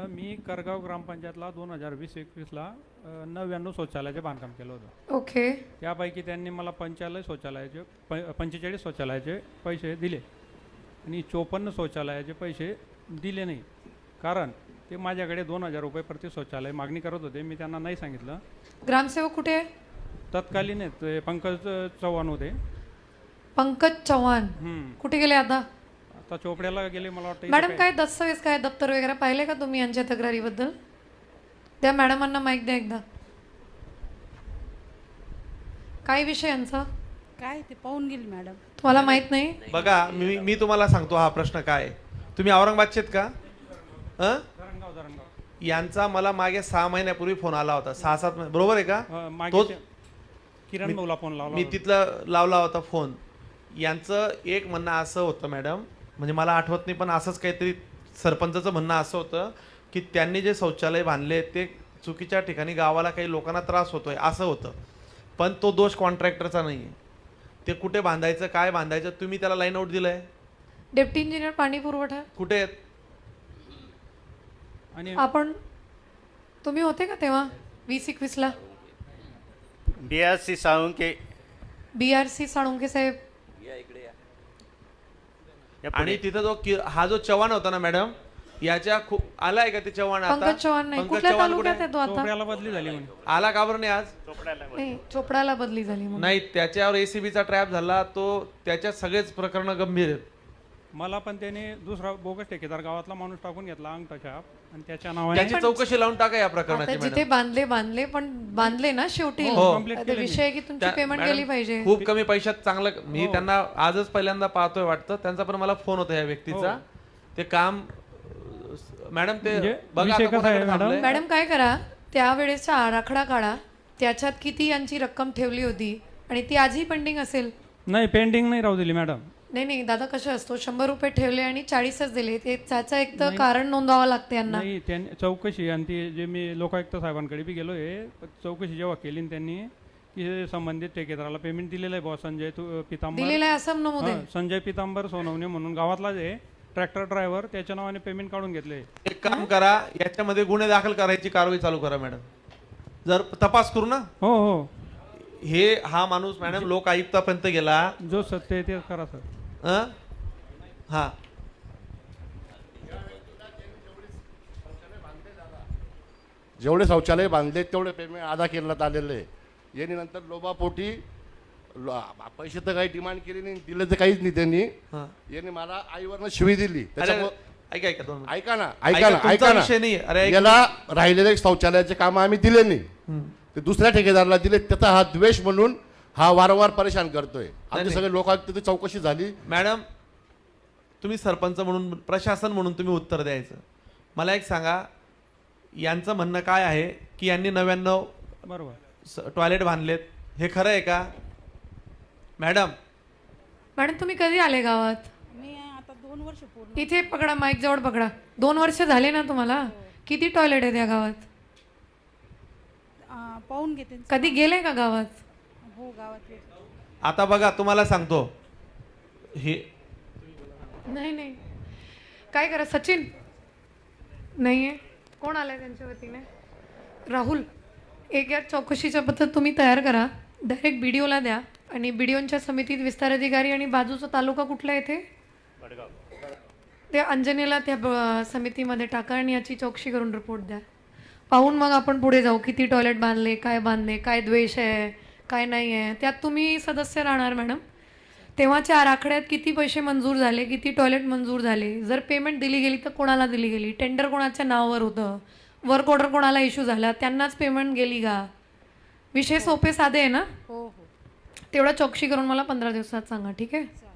मी करगाव ग्रामपंचायतला 2020-21ला 99 शौचालयाचे बांधकाम केलं होतं. ओके. त्यापैकी त्यांनी मला 45 शौचालयाचे पैसे दिले आणि 54 शौचालयाचे पैसे दिले नाही. कारण ते माझ्याकडे 2000 रुपये प्रति शौचालय मागणी करत होते. मी त्यांना नाही सांगितलं. ग्रामसेवक कुठे आहे? तत्कालीन ते पंकज चव्हाण होते. पंकज चव्हाण कुठे गेले आता? आता चोपड्याला गेले मला वाटतं. मॅडम काय दस्तावेज काय दप्तर वगैरे पाहिले का तुम्ही यांच्या तक्रारीबद्दल? त्या मॅडमांना माईक द्या एकदा. काय विषय यांचा? काय ते पाहून गेली मॅडम. तुम्हाला माहित नाही? बघा मी तुम्हाला सांगतो हा प्रश्न काय आहे. तुम्ही औरंगाबादचे आहेत का? यांचा मला मागे 6 महिन्यापूर्वी फोन आला होता. 6-7 महिने बरोबर आहे का? तोच किरण भाऊला फोन लावला. मी तिथला लावला होता फोन. यांचं एक म्हणणं असं होतं मॅडम, म्हणजे मला आठवत नाही पण असंच काहीतरी सरपंचाचं म्हणणं असं होतं की त्यांनी जे शौचालय बांधले ते चुकीच्या ठिकाणी गावाला काही लोकांना त्रास होतोय असं होतं. पण तो दोष कॉन्ट्रॅक्टरचा नाही आहे. ते कुठे बांधायचं काय बांधायचं तुम्ही त्याला लाईन आउट दिलंय. डेप्टी इंजिनियर पाणी पुरवठा कुठे आहेत? आणि आपण तुम्ही होते का तेव्हा 20-21ला? BRC साळुंके. BRC साळुंके साहेब. आणि तिथं हा जो चव्हाण होता ना मॅडम, याच्या खूप आलाय का ते चव्हाण? आता पंकज चव्हाण नाही. पंकज कुठल्या चव्हाण तालुक्यात आहे तो आता? चोपड्याला बदली झाली म्हणे. आला का बरं नाही आज? नाही, चोपडाला बदली झाली म्हणून. नाही, त्याच्यावर ACBचा ट्रॅप झाला. तो त्याच्यात सगळेच प्रकरण गंभीर आहेत. मला पण त्याने दुसरा बोगस ठेकेदार गावातला माणूस टाकून घेतला अंगठा छाप आणि त्याच्या नावाने त्याची चौकशी लावून टाका या आता प्रकरणाची जिथे बांधले पण बांधले ना शेवटी. हो. आता विषय आहे की तुमची पेमेंट मॅडम, गेली पाहिजे. खूप कमी पैशात चांगलं. मी त्यांना आजच पहिल्यांदा पाहतोय वाटतं. त्यांचा पण मला फोन होता या व्यक्तीचा. ते काम मॅडम ते म्हणजे बघा विषय आता कसा आहे कोणाकडे थांबलंय. मॅडम काय करा, त्यावेळेचा आराखडा काढा. त्याच्यात किती यांची रक्कम ठेवली होती आणि ती आजही पेंडिंग असेल. नाही, पेंडिंग नाही राहू दिली मॅडम. नाही दादा, कसं असतो 100 रुपये ठेवले आणि 40च दिले, ते त्याचं एक तर कारण नोंदवावं लागते यांना. नाही, त्यांनी चौकशी आणि ती जे मी लोकायुक्त साहेबांकडे बी गेलो आहे. चौकशी जेव्हा केली त्यांनी की संबंधित ठेकेदाराला पेमेंट दिलेलं आहे. संजय पितांबर दिलेलं आहे असं नमूद आहे. संजय पितांबर सोनवणे म्हणून गावातला जे ट्रॅक्टर ड्रायव्हर त्याच्या नावाने पेमेंट काढून घेतले. एक काम करा, याच्यामध्ये गुन्हे दाखल करायची कारवाई चालू करा मॅडम. जर तपास करू ना. हो हो, हा माणूस मॅडम लोक आयुक्तापर्यंत गेला. जो सत्य आहे ते करा सर. हा जेवढे शौचालय बांधले तेवढे पेमेंट अदा करण्यात आलेलं आहे. यांनी नंतर लोबापोटी पैसे तर काही डिमांड केली नाही, दिले तर काहीच नाही त्यांनी. यांनी मला आईवरनं शिवी दिली. ऐका ना, याला राहिलेले शौचालयाचे काम आम्ही दिले नाही, ते दुसऱ्या ठेकेदाराला दिले. त्याचा हा द्वेष म्हणून हा वारंवार परेशान करतोय. आमचे सगळे लोक तिथे चौकशी झाली. मॅडम, तुम्ही सरपंच म्हणून प्रशासन म्हणून तुम्ही उत्तर द्यायचं. मला एक सांगा, यांचं म्हणणं काय आहे की यांनी 99 बरोबर टॉयलेट बांधलेत, हे खरं आहे का? मॅडम तुम्ही कधी आले गावात? मी आता 2 वर्ष पूर्ण. इथे पकडा, माईक जवळ पकडा. 2 वर्ष झाले ना तुम्हाला? किती टॉयलेट आहे त्या गावात? पाहून घेते. कधी गेले का गावात? हो, गावात. आता बघा, तुम्हाला सांगतो हे नाही काय करा, सचिन नाहीये, कोण आलाय त्यांच्या वतीने? राहुल, एक या चौकशीच्या पद्धत तुम्ही तयार करा. डायरेक्ट BDOला द्या आणि BDOच्या समितीत विस्तार अधिकारी आणि बाजूचा तालुका कुठला येथे त्या अंजनेला त्या समितीमध्ये टाका आणि याची चौकशी करून रिपोर्ट द्या. पाहून मग आपण पुढे जाऊ. किती टॉयलेट बांधले, काय द्वेष आहे, काय नाही आहे. त्यात तुम्ही सदस्य राहणार मॅडम. तेव्हाच्या आराखड्यात किती पैसे मंजूर झाले, किती टॉयलेट मंजूर झाले, जर पेमेंट दिली गेली तर कोणाला दिली गेली, टेंडर कोणाच्या नावावर होतं, वर्क ऑर्डर कोणाला इश्यू झाला, त्यांनाच पेमेंट गेली का? विषय सोपे साधे आहे ना? हो. तेवढा चौकशी करून मला 15 दिवसात सांगा, ठीक आहे?